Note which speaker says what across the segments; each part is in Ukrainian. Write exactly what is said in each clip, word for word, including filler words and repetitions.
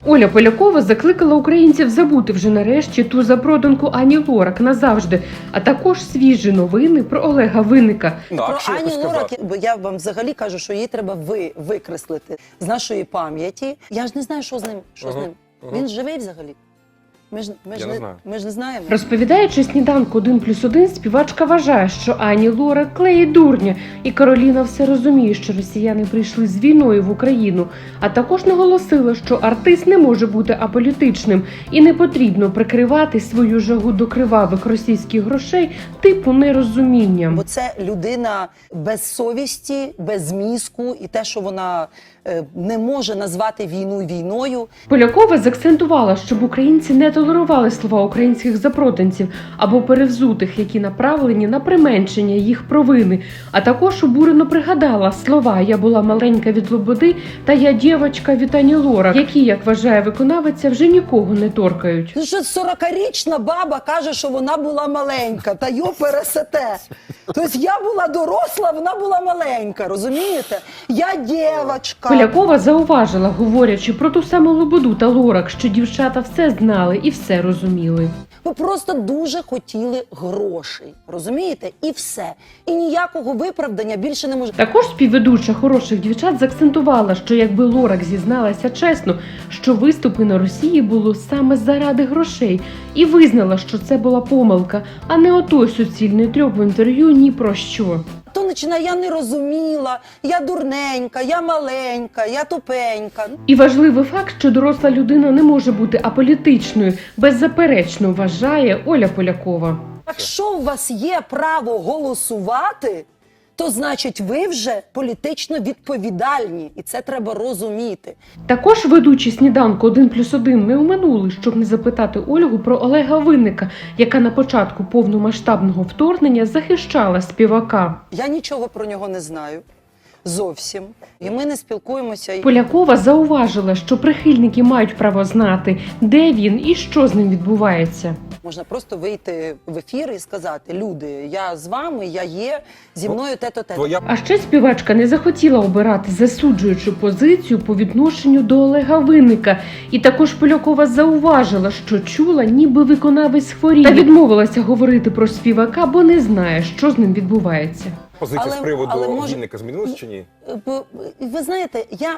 Speaker 1: Оля Полякова закликала українців забути вже нарешті ту запроданку Ані Лорак назавжди, а також свіжі новини про Олега Винника.
Speaker 2: Про Ані Лорак, бо я вам взагалі кажу, що її треба ви, викреслити з нашої пам'яті. Я ж не знаю, що з ним. Що
Speaker 3: Угу.
Speaker 2: з ним?
Speaker 3: Угу.
Speaker 2: Він живий взагалі? Ми ж, ми,
Speaker 3: Я
Speaker 2: ж
Speaker 3: не
Speaker 2: не,
Speaker 3: знаю.
Speaker 2: ми ж не знаємо.
Speaker 1: Розповідаючи сніданку один плюс один, співачка вважає, що Ані Лорак клеїть дурня, і Кароліна все розуміє, що росіяни прийшли з війною в Україну, а також наголосила, що артист не може бути аполітичним і не потрібно прикривати свою жагу до кривавих російських грошей типу нерозумінням.
Speaker 2: Бо це людина без совісті, без мізку, і те, що вона е, не може назвати війну війною.
Speaker 1: Полякова заакцентувала, щоб українці не толерували слова українських запроданців або перевзутих, які направлені на применшення їх провини, а також обурено пригадала слова «я була маленька від Лободи» та «я дівчинка від Ані Лорак», які, як вважає виконавиця, вже нікого не торкають.
Speaker 2: Ну що сорокарічна баба каже, що вона була маленька, та йо пересете. Тобто я була доросла, вона була маленька, розумієте? Я дівчинка.
Speaker 1: Полякова зауважила, говорячи про ту саму Лободу та Лорак, що дівчата все знали і все розуміли.
Speaker 2: Ви просто дуже хотіли грошей, розумієте? І все. І ніякого виправдання більше не може.
Speaker 1: Також співведуча «Хороших дівчат» заакцентувала, що якби Лорак зізналася чесно, що виступи на Росії було саме заради грошей, і визнала, що це була помилка, а не отой суцільний трьох в інтерв'ю ні про що.
Speaker 2: То починає, я не розуміла, я дурненька, я маленька, я тупенька.
Speaker 1: І важливий факт, що доросла людина не може бути аполітичною, беззаперечно вважає Оля Полякова.
Speaker 2: Якщо у вас є право голосувати, то значить ви вже політично відповідальні. І це треба розуміти.
Speaker 1: Також ведучі сніданку один плюс один не оминули, щоб не запитати Ольгу про Олега Винника, яка на початку повномасштабного вторгнення захищала співака.
Speaker 2: Я нічого про нього не знаю. Зовсім. І ми не спілкуємося.
Speaker 1: Полякова зауважила, що прихильники мають право знати, де він і що з ним відбувається.
Speaker 2: Можна просто вийти в ефір і сказати: люди, я з вами, я є, зі мною те-то, те-то.
Speaker 1: А ще співачка не захотіла обирати засуджуючу позицію по відношенню до Олега Винника. І також Полякова зауважила, що чула, ніби виконавець хворіє. Та відмовилася говорити про співака, бо не знає, що з ним відбувається.
Speaker 3: Позиція
Speaker 2: Але-
Speaker 3: з приводу
Speaker 2: але може-
Speaker 3: Вінника змінилась чи ні?
Speaker 2: Бо, ви знаєте, я,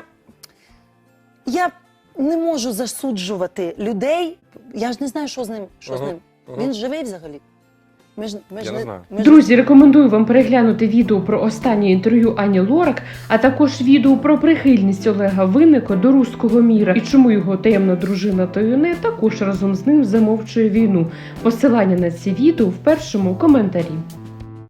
Speaker 2: я не можу засуджувати людей. Я ж не знаю, що з ним. Що з
Speaker 3: Ага,
Speaker 2: ним.
Speaker 3: ага.
Speaker 2: Він живий взагалі? Ми ж, ми ж
Speaker 3: Я не знаю.
Speaker 2: ми ж-
Speaker 1: Друзі, рекомендую вам переглянути відео про останнє інтерв'ю Ані Лорак, а також відео про прихильність Олега Винника до руського міра і чому його таємна дружина Тойоне також разом з ним замовчує війну. Посилання на ці відео в першому коментарі.